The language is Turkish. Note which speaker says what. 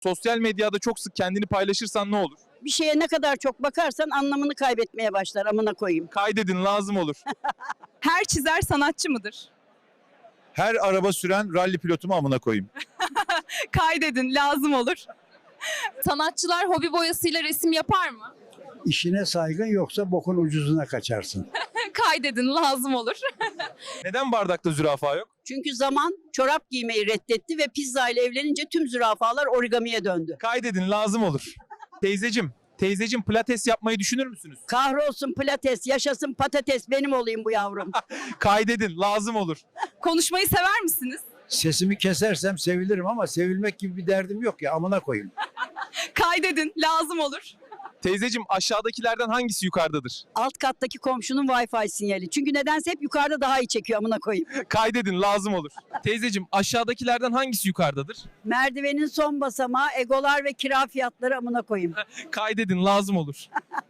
Speaker 1: Sosyal medyada çok sık kendini paylaşırsan ne olur?
Speaker 2: Bir şeye ne kadar çok bakarsan anlamını kaybetmeye başlar, amına koyayım.
Speaker 1: Kaydedin, lazım olur.
Speaker 3: Her çizer sanatçı mıdır?
Speaker 4: Her araba süren ralli pilotumu amına koyayım.
Speaker 3: Kaydedin, lazım olur. Sanatçılar hobi boyasıyla resim yapar mı?
Speaker 5: İşine saygın yoksa bokun ucuzuna kaçarsın.
Speaker 3: Kaydedin, lazım olur.
Speaker 1: Neden bardakta zürafa yok?
Speaker 2: Çünkü zaman çorap giymeyi reddetti ve pizza ile evlenince tüm zürafalar origamiye döndü.
Speaker 1: Kaydedin, lazım olur. Teyzecim pilates yapmayı düşünür müsünüz?
Speaker 2: Kahrolsun pilates, yaşasın patates, benim olayım bu yavrum.
Speaker 1: Kaydedin, lazım olur.
Speaker 3: Konuşmayı sever misiniz?
Speaker 5: Sesimi kesersem sevilirim ama sevilmek gibi bir derdim yok ya, amına koyayım.
Speaker 3: Kaydedin, lazım olur.
Speaker 1: Teyzecim, aşağıdakilerden hangisi yukarıdadır?
Speaker 2: Alt kattaki komşunun Wi-Fi sinyali. Çünkü nedense hep yukarıda daha iyi çekiyor, amına koyayım.
Speaker 1: Kaydedin, lazım olur. Teyzecim, aşağıdakilerden hangisi yukarıdadır?
Speaker 2: Merdivenin son basamağı, egolar ve kira fiyatları, amına koyayım.
Speaker 1: Kaydedin, lazım olur.